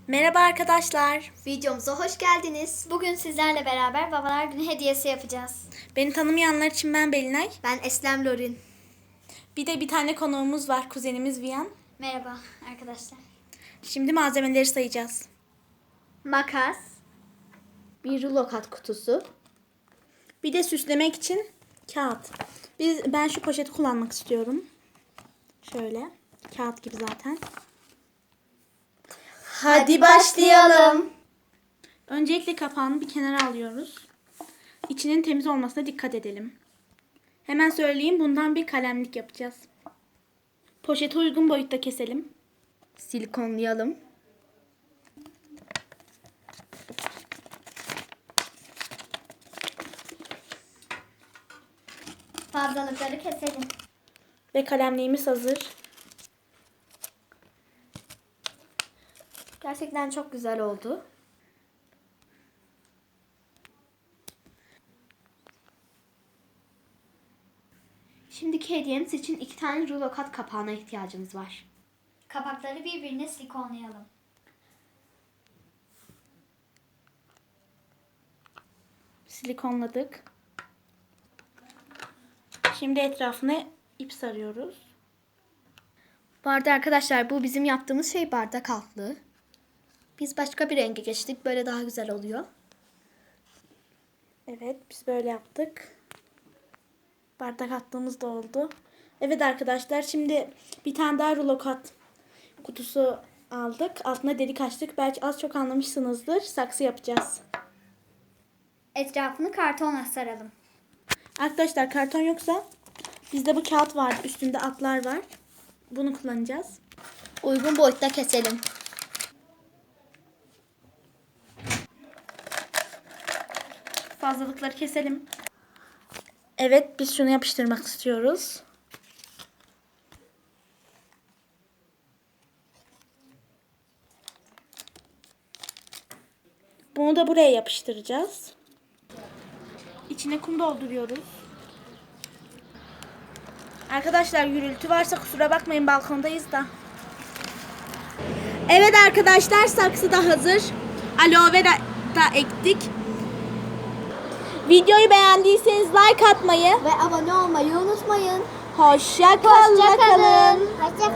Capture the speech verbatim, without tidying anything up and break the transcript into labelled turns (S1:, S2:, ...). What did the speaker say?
S1: Merhaba arkadaşlar.
S2: Videomuza hoş geldiniz.
S3: Bugün sizlerle beraber Babalar Günü hediyesi yapacağız.
S1: Beni tanımayanlar için ben Belinay.
S2: Ben Eslem Lorin.
S1: Bir de bir tane konuğumuz var, kuzenimiz Viyan.
S3: Merhaba arkadaşlar.
S1: Şimdi malzemeleri sayacağız.
S2: Makas, bir rulo kat kutusu,
S1: Bir de süslemek için kağıt. Biz, ben şu poşeti kullanmak istiyorum. Şöyle. Kağıt gibi zaten.
S2: Hadi başlayalım.
S1: Öncelikle kapağını bir kenara alıyoruz. İçinin temiz olmasına dikkat edelim. Hemen söyleyeyim, bundan bir kalemlik yapacağız. Poşeti uygun boyutta keselim.
S2: Silikonlayalım.
S3: Fazlalıkları keselim.
S1: Ve kalemliğimiz hazır.
S2: Gerçekten çok güzel oldu. Şimdiki hediyemiz için iki tane rulo kat kapağına ihtiyacımız var.
S3: Kapakları birbirine silikonlayalım.
S1: Silikonladık. Şimdi etrafına ip sarıyoruz.
S2: Bu arada arkadaşlar bu bizim yaptığımız şey bardak altlığı. Biz başka bir renge geçtik. Böyle daha güzel oluyor.
S1: Evet, biz böyle yaptık. Bardak attığımız da oldu. Evet arkadaşlar, şimdi bir tane daha rulo kat kutusu aldık. Altına delik açtık. Belki az çok anlamışsınızdır. Saksı yapacağız.
S3: Etrafını kartonla saralım.
S1: Arkadaşlar, karton yoksa bizde bu kağıt var. Üstünde atlar var. Bunu kullanacağız.
S2: Uygun boyutta keselim.
S1: Fazlalıkları keselim. Evet, biz şunu yapıştırmak istiyoruz. Bunu da buraya yapıştıracağız. İçine kum dolduruyoruz. Arkadaşlar, gürültü varsa kusura bakmayın, balkondayız da. Evet arkadaşlar, saksı da hazır. Aloe vera da ektik. Videoyu beğendiyseniz like atmayı,
S2: Ve abone olmayı unutmayın.
S1: hoşça kalın.
S2: Hoşça kalın.